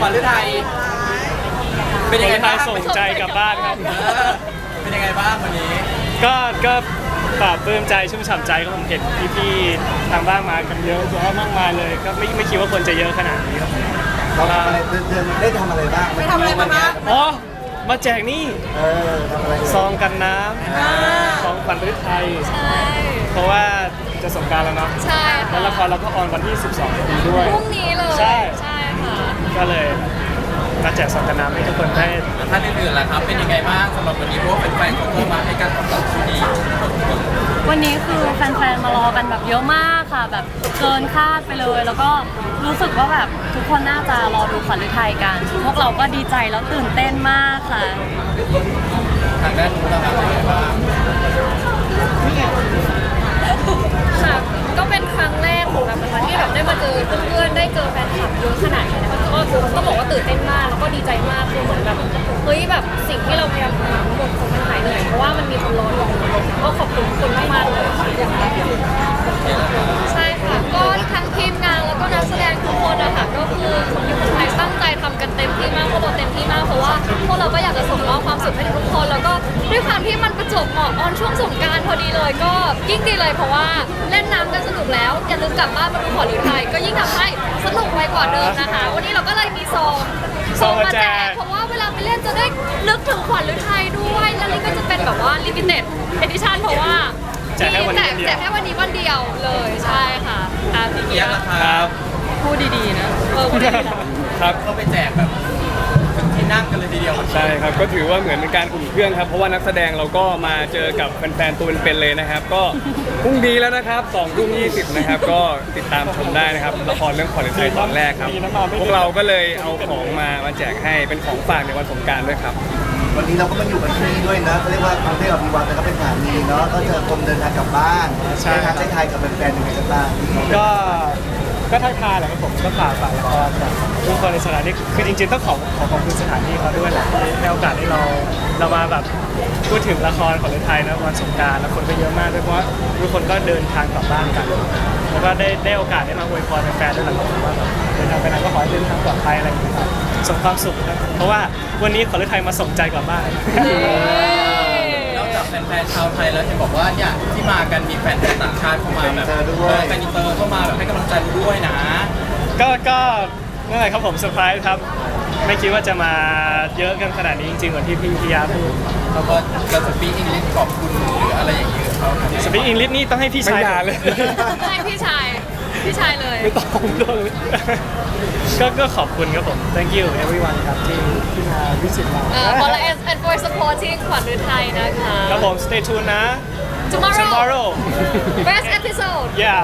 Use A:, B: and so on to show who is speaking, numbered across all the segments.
A: ขวัญฤทัยเป็นยังไงบ้าง
B: ส่งใจกลับบ้านครับ
A: เป็นยังไงบ้างวันนี้
B: ก็ปลาบปลื้มใจชุ่มฉ่ำใจก็ผมเห็นพี่ๆทางบ้านมากันเยอะแยะมากมายเลยก็ไม่คิดว่าคนจะเยอะขนาดนี้ครับ
C: เราทำอะไรได้ทำอะไรบ้าง
D: ไปทำอะไรมาบ้าง
B: อ๋อมาแจกนี่
C: ทำอะไร
B: ซองกันน้ำซองขวัญฤทัย
D: ใช่
B: เพราะว่าจะสงกรานต์แล้วเนาะ
D: ใช่
B: แล้วละครเราก็ออนวันที่ 12 นี้ด้วย
D: พรุ่งนี้เลย
B: ใช่
D: ค่ะ
B: ก็เลยมาแจกซองกันน้ำให้ทุกคนได้
A: ท่านอื่นๆล่ะครับเป็นยังไงบ้างสำหรับวันนี้เพราะว่าแฟนๆเขาเข้ามาให้การตอบรับที่ดี
D: วันนี้คือแฟนๆมารอกันแบบเยอะมากค่ะแบบเกินคาดไปเลยแล้วก็รู้สึกว่าแบบทุกคนน่าจะรอดูขวัญฤทัยกันพวกเราก็ดีใจแล้วตื่นเต้นมากค่ะ
A: ทางด้านนู้นเราเป็นยังไงบ้าง
D: ค่ะก็เป็นครั้งแรกของเรานะคะที่แบบได้มาเจอเพื่อนๆได้เจอแฟนคลับเยอะขนาดนี้นะคะก็บอกว่าตื่นเต้นมากแล้วก็ดีใจมากคือเหมือนแบบเฮ้ยแบบสิ่งที่เราพยายามทำทั้งหมดมันหายเหนื่อยเพราะว่ามันมีคนรออยู่ก็ขอบคุณคนมากๆเลยใช่ค่ะก็ทั้งทีมงานแล้วก็นักแสดงทุกคนนะคะก็คือคนไทยตั้งใจทำกันเต็มที่มากพวกเราเต็มที่มากเพราะว่าพวกเราก็อยากจะส่งมอบความสุขให้ทุกคนแล้วก็ด้วยความที่มันประจวบเหมาะออนช่วงสงกรานต์พอดีเลยก็ยิ่งดีเลยเพราะว่าเล่นน้ำกันสนุกแล้วอย่าลืมกลับบ้านมาดูขวัญฤทัยก็ยิ่งทำให้สนุกไปกว่าเดิมนะคะวันนี้เราก็เลยมีซองมาแจกเพราะว่าเวลาไปเล่นจะได้นึกถึงขวัญฤทัยด้วยแล้วนี่ก็จะเป็นแบบว่า limited edition เพราะว่า
B: แจกแค่วันนี้
D: วันเดียวเลยใช่ค่ะ
A: พี่เกียร์ราคา
D: พูดดีๆนะพูดดีๆนะครับ
A: ก็ไปแจกแบบที่นั่งกันเลยทีเดียว
B: ใช่ครับก็ถือว่าเหมือนเป็นการอุ่นเครื่องครับเพราะว่านักแสดงเราก็มาเจอกับแฟนๆตัวเป็นๆเลยนะครับก็พรุ่งนี้แล้วนะครับ20:20นะครับก็ติดตามชมได้นะครับละครเรื่องขวัญฤทัยตอนแรกครับพวกเราก็เลยเอาของมาแจกให้เป็นของฝากในวันสงกรานต์ด้วยครับ
C: วันนี้เราก็มาอยู่กันที่นี่ด้วยนะเขาเรียกว่ากรุงเทพอภิวัตแล้วก็เป็นสถานีเนาะก็เจอคนเดินทางกลับบ้านได้ทายกับแฟนๆยังไงกันบ้าง
B: ก็ทักทายแหละครับผมก็ฝากละครกับทุกคนในสถานที่คือจริงๆต้องขอขอบคุณสถานที่เขาด้วยแหละที่ให้โอกาสให้เรามาแบบพูดถึงละครของไทยนะวันสงกรานต์แล้วคนก็เยอะมากด้วยเพราะว่าทุกคนก็เดินทางกลับบ้านกันแล้วก็ได้โอกาสได้มาอวยพรแฟนๆด้วยแหละผมว่าแบบเดินทางไปไหนก็ขอให้เดินทางปลอดภัยอะไรอย่างเงี้ยครับส่งความสุขครับเพราะว่าวันนี้ขวัญฤทัยมาส่งใจกลับบ้าน
A: นอกจากแฟนๆชาวไทยแล้วเห็นบอกว่าเนี่ยที่มากันมีแฟนต่างชาติเข้ามาแบบแฟนอินเตอร์เข้ามาแบบให้กำลังใจด้วยนะ
B: ก็นั่นแหละครับผมเซอร์ไพรส์ครับไม่คิดว่าจะมาเยอะกันขนาดนี้จริงๆเหมือนที่พี่พิยาพูด
A: เขาก็จะสปีกอังกฤษขอบคุณหรืออะไรอย่างเงี้ยเขา
B: สปีกอังกฤษนี่ต้องให้พี่ชายเลย
D: ให้พี่ชายเลย
B: ไม่ต้องเลยก็ขอบคุณครับผม thank you everyone ครับที่มาวิสิตเรา
D: and for supporting ขวัญฤทัยนะคะ
B: ครับผม stay tuned นะ
D: tomorrow first episode
B: yeah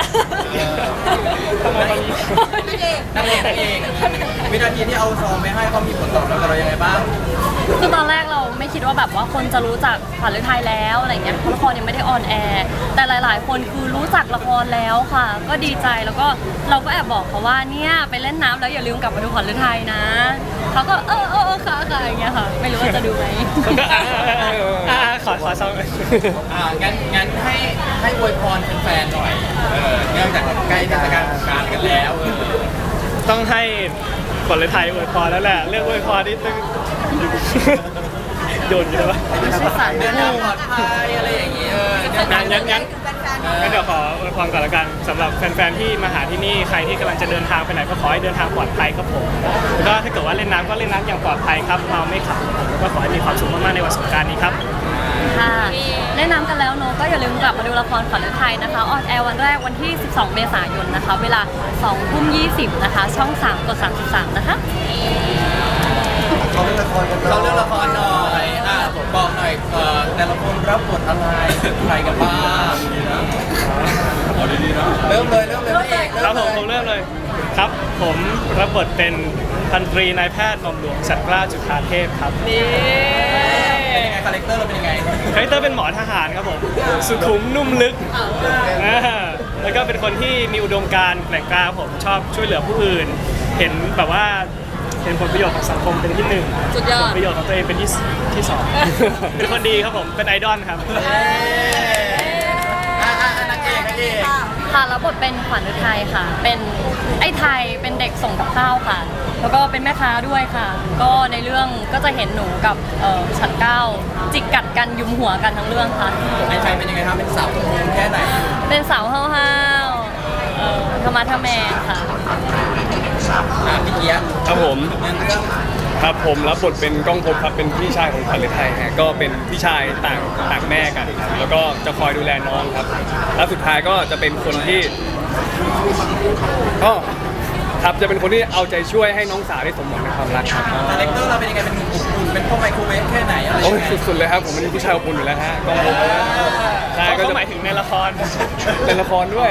A: ทำไมวันนี้นั่งเองวินาทีที่เอาซองไปให้เขามีผลตอบรับกับเรายังไงบ้าง
D: คือตอนแรกเราไม่คิดว่าแบบว่าคนจะรู้จักขวัญฤทัยแล้วอะไรเงี้ยเพราะละครยังไม่ได้ออนแอร์แต่หลายๆคนคือรู้จักละครแล้วค่ะก็ดีใจแล้วก็เราก็แอบบอกเขาว่าเนี่ยไปเล่นน้ำแล้วอย่าลืมกลับมาดูขวัญฤทัยนะเขาก็ค่ะอย่างเงี้ยค่ะไม่รู้ว่าจะดูไหม
B: ขอซอง
A: งั้นให้อวยพรแฟนๆหน่อยเนื่องจากใกล้เทศกาลสงกรานต์กันแล้ว
B: ต้องให้ขวัญฤทัยอวยพรแล้วแหละเรื่องอวยพรนี่ต้องโยนอยู่แล้ว
A: เดินทางปลอดภัยอะไรอย่างเงี้ย
B: งั้นเดี๋ยวขออวยพรก่อนละกันสำหรับแฟนๆที่มาหาที่นี่ใครที่กำลังจะเดินทางไปไหนก็ขอให้เดินทางปลอดภัยครับผมแล้วก็ถ้าเกิดว่าเล่นน้ำก็เล่นน้ำอย่างปลอดภัยครับเมาไม่ขับแล้วก็ขอให้มีความสุขมากๆในวันสงกรานต์นี้ครับ
D: ค่ะเล่นน้ำกันแล้วเนอะก็อย่าลืมกลับมาดูละครขวัญฤทัยนะคะออนแอร์วันแรกวันที่12 เมษายนนะคะเวลา 20:20 นะคะช่อง3กด33นะคะ
C: เขาเรื่องละครกัน
A: เราเรื่องละครหน่อยบอกหน่อยแต่ละคนรับบทอะไรใครกันบ้างเอาดีๆนะเริ่มเลย
B: ครับผมเริ่มเลยครับผมรับบทเป็นพันตรีนายแพทย์หม่อมหลวงศักดิ์กล้าจุฑาเทพครับ
D: นี่
A: เป็นยังไงคาแรคเตอร์เราเป็นยังไง
B: คาแรคเตอร์เป็นหมอทหารครับผมสุขุมนุ่มลึกแล้วก็เป็นคนที่มีอุดมการณ์แกร่งกล้าผมชอบช่วยเหลือผู้อื่นเห็นแบบว่าเห็นผลประโยชน์ของสังคมเป็นที่1ผลประโยชน์ของตัวเองเป็นที่2เป็นคนดีครับผมเป็นไอดอลครับ
A: นางเอก
E: ค่ะรับบทเป็นขวัญฤทัยค่ะ เป็นไอ้ไทยเป็นเด็กส่งกับข้าวค่ะ แล้วก็เป็นแม่ค้าด้วยค่ะ ก็ในเรื่องก็จะเห็นหนูกับฉันเก้าจิกกัดกันยุมหัวกันทั้งเรื่องค่ะ
A: ไอ้ชัยเป็นยังไงครับเป็นสาวคนนึงแค่ไหน
E: เป็นสาวห้าวๆธรรมะทะแมงค่ะ
A: พี่เกียร์
F: ครับผม
A: เรื่อง
F: ครับผมรับบทเป็นก้องภพครับเป็นพี่ชายของขวัญฤทัยฮะก็เป็นพี่ชายต่างแม่กันครับแล้วก็จะคอยดูแลน้องครับแล้วสุดท้ายก็จะเป็นคนที่ก็ครับจะเป็นคนที่เอาใจช่วยให้น้องสาวได้สมหวังในความรักครับ
A: คาแรคเตอร์เราเป็นยังไงเป็นหนุ่มอบอุ่นเป็นพ่อไมโครเวฟแค่ไหนอะไร
F: โอ้
A: ยัง
F: ย
A: ไง
F: สุดๆเลยครับผมเป็นผู้ชายอบอุ่นอยู่แล้วฮะก้องภพใช่ก็
B: ก็
F: จะ
B: หมายถึงในละคร
F: เป็นละครด้วย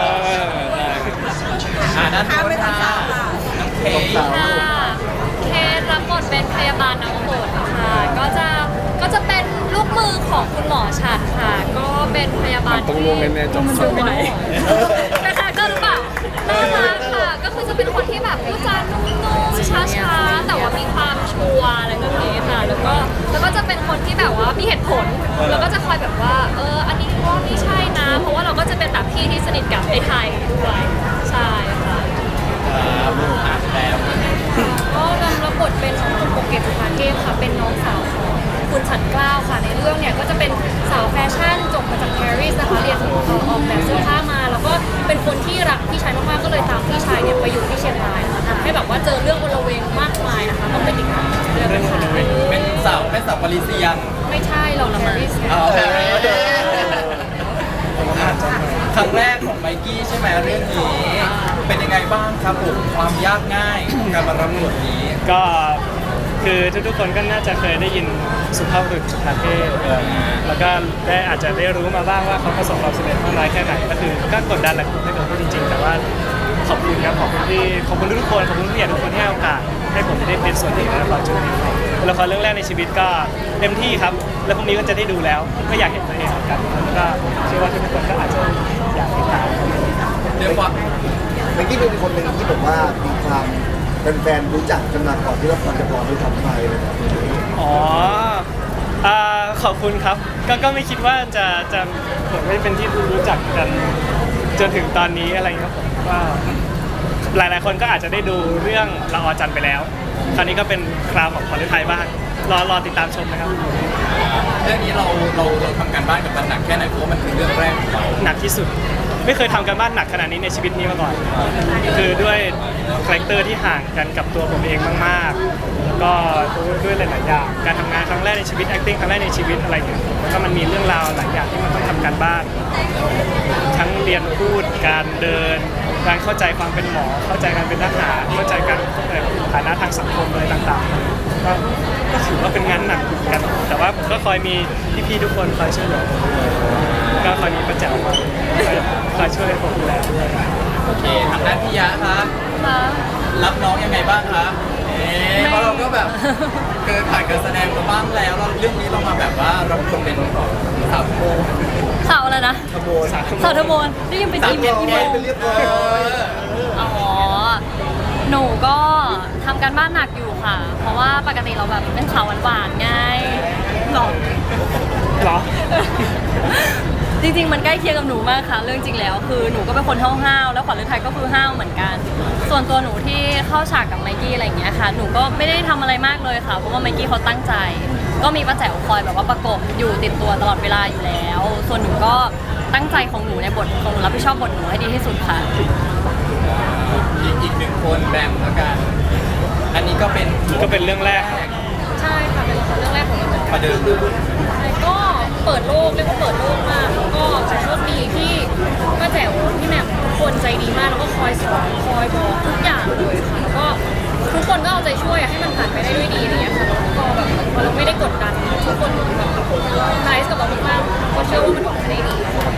F: ใช่
A: ด้านโน้นค่ะน้องเค
D: ค่ะเคสรับบทเป็นพยาบาลน้องโบดค่ะ ก็จะเป็นลูกมือของคุณหมอฉัดค่ะ ก็เป็นพยาบาล
F: ต้อง
D: ที่
F: ลงแน่ๆจบ
D: สวยนะคะก็หรือเปล่าน่ารักค่ะ ก็คือจะเป็นคนที่แบบพูดจานุ่มๆช้าๆแต่ว่ามีความชัวร์อะไรแบบนี้ค่ะ แล้วก็จะเป็นคนที่แบบว่ามีเหตุผล แล้วก็จะคอยแบบว่าอันนี้ว่าไม่ใช่นะ เพราะว่าเราก็จะเป็นแบบพี่ที่สนิทกับไอ้ไทยด้วยใช่ค่ะ
A: แล้ว
D: ก็รับบทเป็นน้องตุ่มโปเกตสุภาเทพค่ะ เป็นน้องสาวของคุณฉันเกล้าค่ะ ในเรื่องเนี่ยก็จะเป็นสาวแฟชั่นจบมาจากปารีสนะคะเรียนออกแบบเสื้อผ้ามา แล้วก็เป็นคนที่รักพี่ชายมากๆก็เลยตามพี่ชายเนี่ยไปอยู่ที่เชียงรายนะคะทำให้แบบว่าเจอเรื่องโอลเวงมากมายนะคะต้องไปติดตามเรื่องนะคะ
A: เป็นสาวปารีเซียน
D: ไม่ใช่เราปารีส
A: อ๋อครั้งแรกของไมกี้ใช่ไหมเรื่องนี้เป็นยังไงบ้างครับผมความยากง่ายของการมารับบทนี้
B: ก็คือทุกๆคนก็น่าจะเคยได้ยินสุภาพบุรุษสุภาเทพแล้วก็อาจจะได้รู้มาบ้างว่าเขาประสบความสำเร็จมากน้อยแค่ไหนก็คือก็กดดันแหละถ้าเกิดพูดจริงๆแต่ว่าขอบคุณครับขอบคุณทุกคนขอบคุณผู้ใหญ่ทุกคนที่ให้โอกาสให้ผมได้เป็นส่วนหนึ่งในละครชุดนี้ละครเรื่องแรกในชีวิตก็เต็มที่ครับแล้วพรุ่งนี้ก็จะได้ดูแล้วก็อยากเห็นตัวเองเหมือนกันแล้วก็เชื่อว่าทุกคนก็อาจจะอยากติดตาม
A: เรียกว่า
C: เมื่อกี้เป็นคนหนึ่งที่บอกว่ามีความแฟนๆรู้จักกันมาก่อนที่ละครจะพอด้วยทำไปเลยแบบนี้
B: อ๋อขอบคุณครับ ก็ไม่คิดว่าจะเหมือนไม่เป็นที่รู้จักกันจนถึงตอนนี้อะไรเงี้ยผมก็หลายๆคนก็อาจจะได้ดูเรื่องละออจันทร์ไปแล้ว คราวนี้ก็เป็นคราวของขวัญฤทัยบ้างรอติดตามชมนะครับ
A: เรื่องนี้เราทำการบ้านกับมันหนักแค่ไหนเพราะว่ามันคือเรื่องแรกของเรา
B: หนักที่สุด ไม่เคยทำกันบ้านหนักขนาดนี้ในชีวิตนี้มาก่อน คือด้วยคาแรคเตอร์ที่ห่างกันกับตัวผมเองมากๆ แล้วก็ด้วยหลายๆอย่างการทำงานครั้งแรกในชีวิต acting ครั้งแรกในชีวิตอะไรอย่างเงี้ยแล้วก็มันมีเรื่องราวหลายอย่างที่มันต้องทำการบ้าน ทั้งเรียนพูดการเดิน การเข้าใจความเป็นหมอ เข้าใจการเป็นทหารเข้าใจการฐานะทางสังคมอะไรต่างๆก็ถือว่าเป็นงานหนักเหมือนกัน แต่ว่าผมก็คอยมีพี่ๆทุกคนคอยช่วยเหลือผมก็คอยมีประแจวมาคอยช่วยผมดูแลด้วย
A: โอเคทางด้านพี่ยะครับ
E: ค่ะ
A: รับน้องยังไงบ้างคะเพราะเราก็แบบเคยผ่านการแสดงมาบ้างแล้วแล้วเรื่องนี้เรามาแบบว่าเราเป็นสาวโม
E: สาวอะไรนะ
C: ขโมย
E: สาวทมนได้ยินเป็นอีเมล
C: เป็นเรียบร้อย
E: อ๋อ หนูก็ทำการบ้านหนักอยู่ค่ะ เพราะว่าปกติเราแบบเป็นสาวหวานๆไงหรอ
B: เหรอ
E: จริงๆ มันใกล้เคียงกับหนูมากค่ะ เรื่องจริงแล้วคือหนูก็เป็นคนห้าวๆ แล้วขวัญฤทัยก็คือห้าวเหมือนกัน ส่วนตัวหนูที่เข้าฉากกับไมกี้อะไรอย่างเงี้ยค่ะ หนูก็ไม่ได้ทำอะไรมากเลยค่ะ เพราะว่าไมกี้เขาตั้งใจ ก็มีป้าแจ๋วคอยแบบว่าประกบอยู่ติดตัวตลอดเวลาอยู่แล้ว ส่วนหนูก็ตั้งใจของหนูในบทของหนูรับผิดชอบบทหนูให้ดีที่สุดค่ะ
A: อีกหนึ่งคนแบมแล้วกัน อันนี้ก็เป็น
B: ก็เป็นเรื่องแรก
D: ใช่ค่ะเป็นละครเรื่องแรกของเราเหมือนกัน
A: ประเดิม
D: ใช่ก็เปิดโลกเรียกว่าเปิดโลกมากแล้วก็โชคดีที่ป้าแจ๋วพี่แหม่มทุกคนใจดีมากแล้วก็คอยสอนคอยบอกทุกอย่างเลยค่ะแล้วก็ทุกคนก็เอาใจช่วยให้มันผ่านไปได้ด้วยดีอะไรเงี้ยค่ะแล้วก็แบบพอเราไม่ได้กดดันทุกคนแบบไนส์กับเรามากๆก็เชื่อว่ามันออกมาได้ดี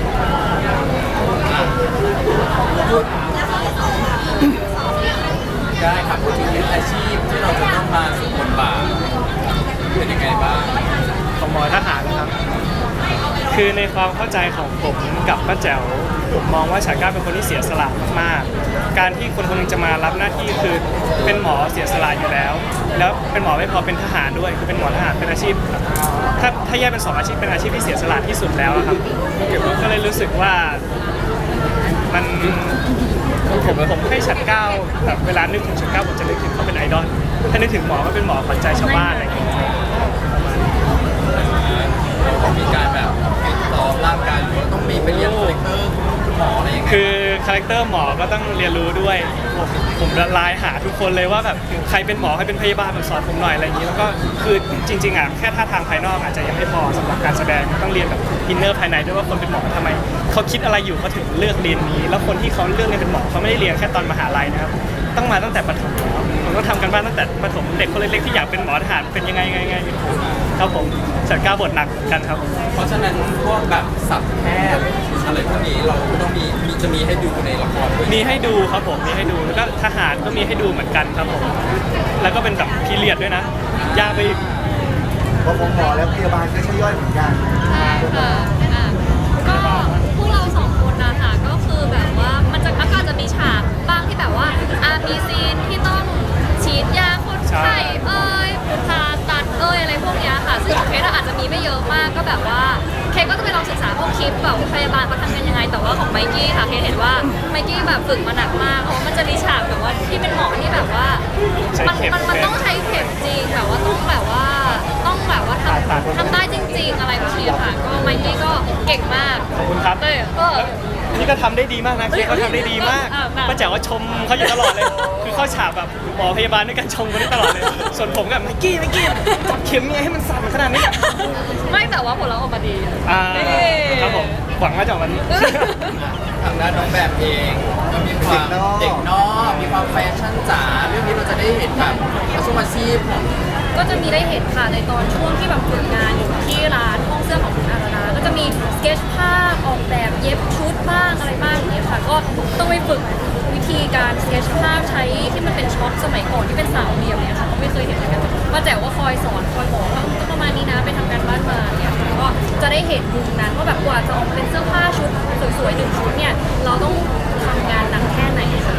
A: ได้ครับพูดถึงอาชีพที่เราจะต้องมาสู่บทบาทเป็นยังไงบ้าง
B: ของหมอทหารนะครับ คือในความเข้าใจของผมกับป้าแจ๋วผมมองว่าฉากก้าเป็นคนที่เสียสละมากๆ การที่คนคนหนึงจะมารับหน้าที่คือเป็นหมอเสียสละอยู่แล้ว แล้วเป็นหมอไม่พอเป็นทหารด้วย คือเป็นหมอทหารเป็นอาชีพ ถ้าแยกเป็นสองอาชีพเป็นอาชีพที่เสียสละที่สุดแล้วอะครับก็เลยรู้สึกว่ามันผมให้ฉัดเก้าแบบเวลานึกถึงฉัดเก้าผมจะนึกถึงเขาเป็นไอดอลถ้านึกถึงหมอก็เป็นหมอขวัญใจชาวบ้านอะไรอย่างเงี้ย
A: ต้องมีการแบบฟิตซ้อมร่างกายหรือว่าต้องมีไปเรียนคาแรคเตอร์หมออะไรยังไง
B: คือคาแรคเตอร์หมอก็ต้องเรียนรู้ด้วยผมละลายหาทุกคนเลยว่าแบบใครเป็นหมอใครเป็นพยาบาลแบบสอนผมหน่อยอะไรอย่างนี้แล้วก็คือจริงๆอ่ะแค่ท่าทางภายนอกอาจจะยังไม่พอสำหรับการแสดงต้องเรียนแบบอินเนอร์ภายในด้วยว่าคนเป็นหมอทำไมเขาคิดอะไรอยู่เขาถึงเลือกเรียนนี้แล้วคนที่เขาเลือกเรียนเป็นหมอเขาไม่ได้เรียนแค่ตอนมหาลัยนะครับต้องมาตั้งแต่ประถมผมต้องทำกันบ้านตั้งแต่ประถมเด็กคนเล็กๆที่อยากเป็นหมอทหารเป็นยังไงครับผมจัดการบทหนักกันครับ
A: เพราะฉะนั้นพวกแบบสับแพทย์อะไรพวกนี้เราก็ต้องจะมีให้ดูในละครด้วย
B: มีให้ดูครับผมมีให้ดูแล้วก็ทหารก็มีให้ดูเหมือนกันครับผมแล้วก็เป็นแบบพีเรียดด้วยนะยากไปอีก
C: เพราะของหมอและพยาบาลก็ใช่ย่อยเหมือนกัน
D: ใช่ค่ะก็พวกเราสองคนนะคะก็คือแบบว่ามันก็จะมีฉากบ้างที่แบบว่ามีซีนที่ต้องฉีดยาคนไข้ผ่าตัดอะไรพวกเนี้ยค่ะซึ่งของเคสอาจจะมีไม่เยอะมากก็แบบว่าเคสก็จะไปลองศึกษาพวกคลิปแบบพยาบาลเขาทำกันยังไงแต่ว่าของไมกี้ค่ะเคสเห็นว่าไมกี้แบบฝึกมาหนักมากเพราะมันจะมีฉากแบบว่าที่เป็นหมอที่แบบว่ามันต้องใช้เข็มจริงแบบว่าต้องแบบว่าทำได้จริงๆ อะไรแบบนี้ค่ะก็ไมกี้ก็เก่งมาก
B: ขอบคุณครับ นี่ก็ทำได้ดีมากนะเคเขาทำได้ดีมากป้าแจ๋วว่าชมเขาอยู่ตลอดเลยคือเข้าฉากแบบหมอพยาบาลด้วยกันชมกันได้ตลอดเลยส่วนผมกับไมกี้จับเข็มยังไงให้มันสั่นขนาดนี้
D: ไม่แต่ว่าผลลัพธ์ออกมาดี
B: ครับผมหวังว่าจะออกมาดี
A: ทางด้านน้องแบบเองก็มีความเด็กนอกมีความแฟชั่นจ๋าเรื่องนี้เราจะได้เห็นแบบอาชีพของ
D: ก็จะมีได้เห็นค่ะในตอนช่วงที่แบบฝึกงานอยู่ที่ร้านห้องเสื้อของคุณอาราก็จะมีสเก็ตภาพออกแบบเย็บชุดบ้างอะไรบ้างอย่างเงี้ยค่ะก็ต้องไปฝึกวิธีการสเก็ตภาพใช้ที่มันเป็นช็อตสมัยก่อนที่เป็นสาวเหลี่ยมเนี่ยค่ะก็ไม่เคยเห็นเหมือนกันมาแต่ว่าคอยสอนคอยบอกว่าก็ประมาณนี้นะไปทำการบ้านมาเนี่ยค่ะก็จะได้เห็นมุมนั้นว่าแบบกว่าจะออกมาเป็นเสื้อผ้าชุดสวยๆหนึ่งชุดเนี่ยเราต้องทำงานหนักแค่ไหนค่ะ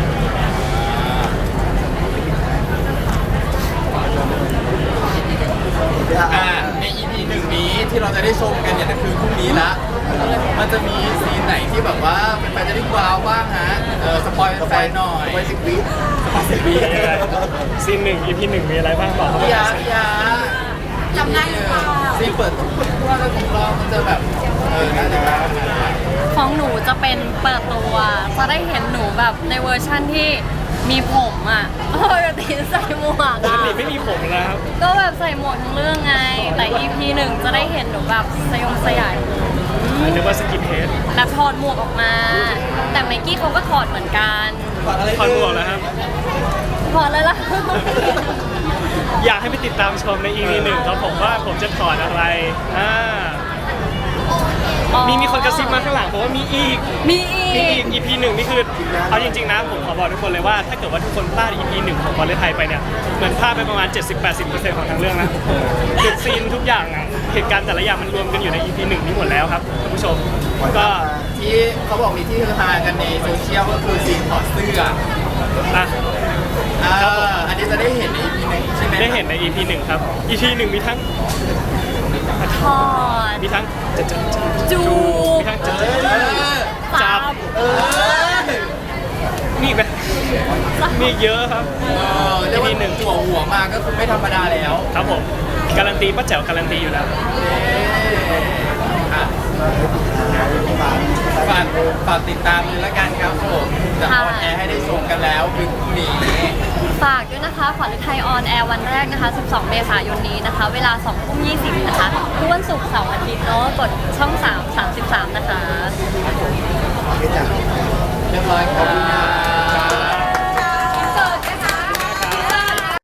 A: ใน EP หนึ่งนี้ที่เราจะได้ชมกันเนี่ยคือพรุ่งนี้ละมันจะมีซีนไหนที่แบบว่าเป็นแฟนจะได้ว้าวบ้างฮะสปอยแฟนหน่อย
C: ไป10 วิ
A: 10 วิ
B: ซีน1 EP 1มีอะไรบ้างบอกเขา
A: พี่
B: ไป
A: ยาจำได้หรือเปล่าซีนเปิดทุกคนว่าแล้วของเรามันจะแบบน่าจะแบบ
E: ของหนูจะเป็นเปิดตัวจะได้เห็นหนูแบบในเวอร์ชั่นที่มีผมอ่ะปกติใส่หมวก
B: ปก
E: อ่ะ
B: ติไม่มีผมนะครับ
E: ก็แบบใส่หมวกทั้งเรื่องไง แต่ EP 1จะได้เห็นหนูแบบสยาย
B: นึกว่าสกินเฮด
E: แบบถอดหมวกออกมา แต่ไมกี้เขาก็ถอดเหมือนกัน
B: ถอดหมวกแล้วครับ
E: ถอดเลยล่ะ
B: อยากให้ไปติดตามชมใน EP 1ครับผมว่าผมจะถอดอะไรมีคนกระซิบมาข้างหลังบอกว่ามีอีก
E: มีอีก
B: EP 1นี่คือเอาจริงๆนะผมขอบอกทุกคนเลยว่าถ้าเกิดว่าทุกคนพลาด EP 1ของวอลเลย์ไทยไปเนี่ยเหมือนพลาดไปประมาณ 70-80% ของทั้งเรื่องนะคือซีนทุกอย่างอะเหตุการณ์แต่ละอย่างมันรวมกันอยู่ใน EP 1นี้หมดแล้วครับคุณผู้ชมก็
A: ที่เขาบอกมีที่ฮือฮากันในโซเชียลก็คือซีนถอดเสื้อ
B: อ่ะ
A: อันนี้จะได้เห็นใน EP หนึ่งใช่ไหม
B: ได้เห็นใน EP 1ครับ EP 1มีทั้ง
E: ถอด
B: มีทั้งจะ
E: จูบ
B: มีทั้งจะ
E: จับ
B: มีอีกไหมมีอีกเยอะครับ
A: เรียกว่าหัวมาก็คือไม่ธรรมดาแล้ว
B: ครับผมการันตีป้าแจ๋วการันตีอยู่แล้ว
A: ฝากติดตามเลยละกันครับผมจะออนแอร์ให้ได้ชมกันแล้วคือพรุ่งนี้
E: ฝากด้วยนะคะขวัญฤทัยออนแอร์วันแรกนะคะ 12 เมษายนนี้นะคะ เวลา 20:20 นะคะ ทุกวันศุกร์เสาร์อาทิตย์เนาะ กดช่อง 3 33 นะคะ
C: โอเคจ้ะ
A: เรียบร้อยครับ